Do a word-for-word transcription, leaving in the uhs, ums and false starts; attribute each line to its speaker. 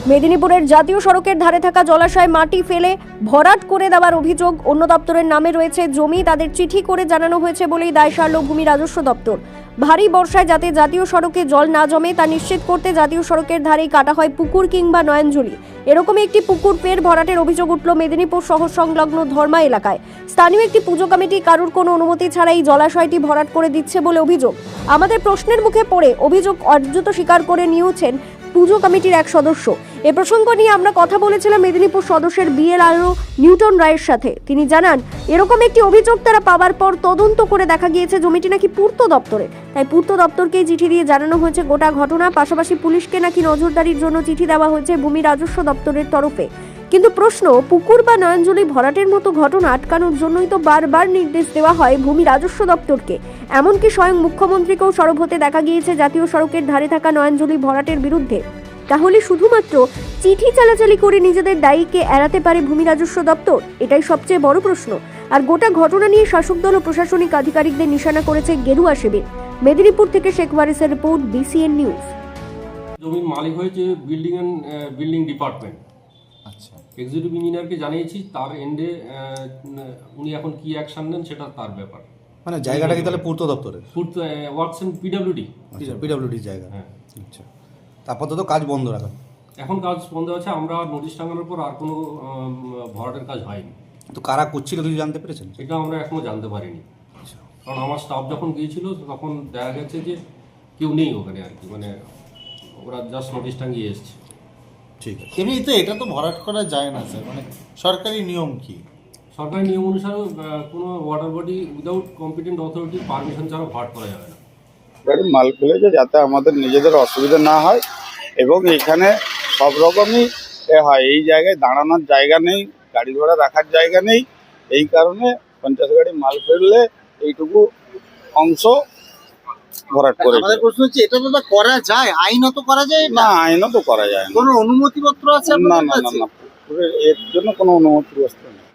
Speaker 1: মেদিনীপুরের জাতীয় সড়কের ধারে থাকা জলাশয়ে মাটি ফেলে ভরাট করে দেওয়ার অভিযোগ। অন্য দপ্তরের নামে রয়েছে জমি, তাদের চিঠি করে জানানো হয়েছে বলেই দায় সারল ভূমি রাজস্ব দপ্তর। ভারী বর্ষায় যাতে জাতীয় সড়কে জল না জমে তা নিশ্চিত করতে জাতীয় সড়কের ধারেই কাটা হয় পুকুর কিংবা নয়নজলি। এরকমই একটি পুকুর ফের ভরাটের অভিযোগ উঠল মেদিনীপুর শহর সংলগ্ন ধর্মা এলাকায়। স্থানীয় একটি পুজো কমিটি কারুর কোনো অনুমতি ছাড়াই জলাশয়টি ভরাট করে দিচ্ছে বলে অভিযোগ। আমাদের প্রশ্নের মুখে পড়ে অভিযোগ অর্জিত স্বীকার করে নিয়েছেন পুজো কমিটির এক সদস্য। এ প্রসঙ্গ নিয়ে আমরা কথা বলেছিলাম মেদিনীপুর সদস্যের বিএলআরও নিউটন রায়ের সাথে। তিনি জানান, এরকম একটি অভিযোগ তারা পাওয়ার পর তদন্ত করে দেখা গিয়েছে জমিটি নাকি পূর্ত দপ্তরে, তাই পূর্ত দপ্তরকেই চিঠি দিয়ে জানানো হয়েছে গোটা ঘটনা। পাশাপাশি পুলিশকে নাকি নজরদারির জন্য চিঠি দেওয়া হয়েছে ভূমি রাজস্ব দপ্তরের তরফে। কিন্তু প্রশ্ন, পুকুর বা নয়নজলি ভরাটের মতো ঘটনা আটকানোর জন্যই তো বারবার নির্দেশ দেওয়া হয় ভূমি রাজস্ব দপ্তরকে। এমনকি স্বয়ং মুখ্যমন্ত্রীকেও সরব হতে দেখা গিয়েছে জাতীয় সড়কের ধারে থাকা নয়নজলি ভরাটের বিরুদ্ধে। তাহলে শুধুমাত্র চিঠি চালাচালি করে নিজেদের দায়ীকে এড়াতে পারে ভূমি রাজস্ব দপ্তর? এটাই সবচেয়ে বড় প্রশ্ন। আর গোটা ঘটনা নিয়ে শাসক দল ও প্রশাসনিক আধিকারিকদের নিশানা করেছে গেরুয়া শিবির। মেদিনীপুর থেকে শেখ ওয়ারিসের রিপোর্ট, বিসিএন নিউজ।
Speaker 2: জমির মালিক হয়েছে বিল্ডিং অ্যান্ড বিল্ডিং ডিপার্টমেন্ট। আচ্ছা, এক্সিকিউটিভ ইঞ্জিনিয়ারকে জানিয়েছি, তার এন্ডে উনি এখন কি অ্যাকশন নেন সেটা তার ব্যাপার।
Speaker 3: মানে জায়গাটা কি তাহলে পূর্ত দপ্তরের?
Speaker 2: পূর্ত ওয়ার্কস এন্ড পিডব্লিউডি।
Speaker 3: পিডব্লিউডি জায়গা।
Speaker 2: হ্যাঁ,
Speaker 3: আচ্ছা, আপাতত কাজ বন্ধ রাখা।
Speaker 2: এখন কাজ বন্ধ আছে। আমরা নোটিশ টাঙানোর পর আর কোনো ভরাটের কাজ হয়নি।
Speaker 3: তো কারা করছিল কিছু জানতে পেরেছেন?
Speaker 2: এটা আমরা এখনো জানতে পারিনি, কারণ আমার স্টাফ যখন গিয়েছিল তখন দেখা গেছে যে কেউ নেই ওখানে আর কি, মানে ওরা জাস্ট নোটিশ টাঙিয়ে এসছে।
Speaker 3: ঠিক আছে।
Speaker 4: এমনিতে এটা তো ভরাট করা যায় না স্যার, মানে সরকারি নিয়ম কি?
Speaker 2: সরকারি নিয়ম অনুসারে কোনো ওয়াটার বডি উইদাউট কম্পিটেন্ট অথরিটির পারমিশন ছাড়া ভরাট করা যাবে না।
Speaker 5: গাড়ি মাল ফেলেছে যাতে আমাদের নিজেদের অসুবিধা না হয়, এবং এখানে সব রকমই হয়। এই জায়গায় দাঁড়ানোর জায়গা নেই, গাড়ি ঘোড়া রাখার জায়গা নেই। এই কারণে পঞ্চাশ গাড়ি মাল ফেললে এইটুকু অংশ ভরাট করে।
Speaker 4: আমাদের প্রশ্ন হচ্ছে, এটা তো করা যায়, আইনত করা যায়
Speaker 5: না? আইনত করা যায় না।
Speaker 4: কোনো অনুমতিপত্র আছে?
Speaker 5: না না না না, এর জন্য কোনো অনুমতি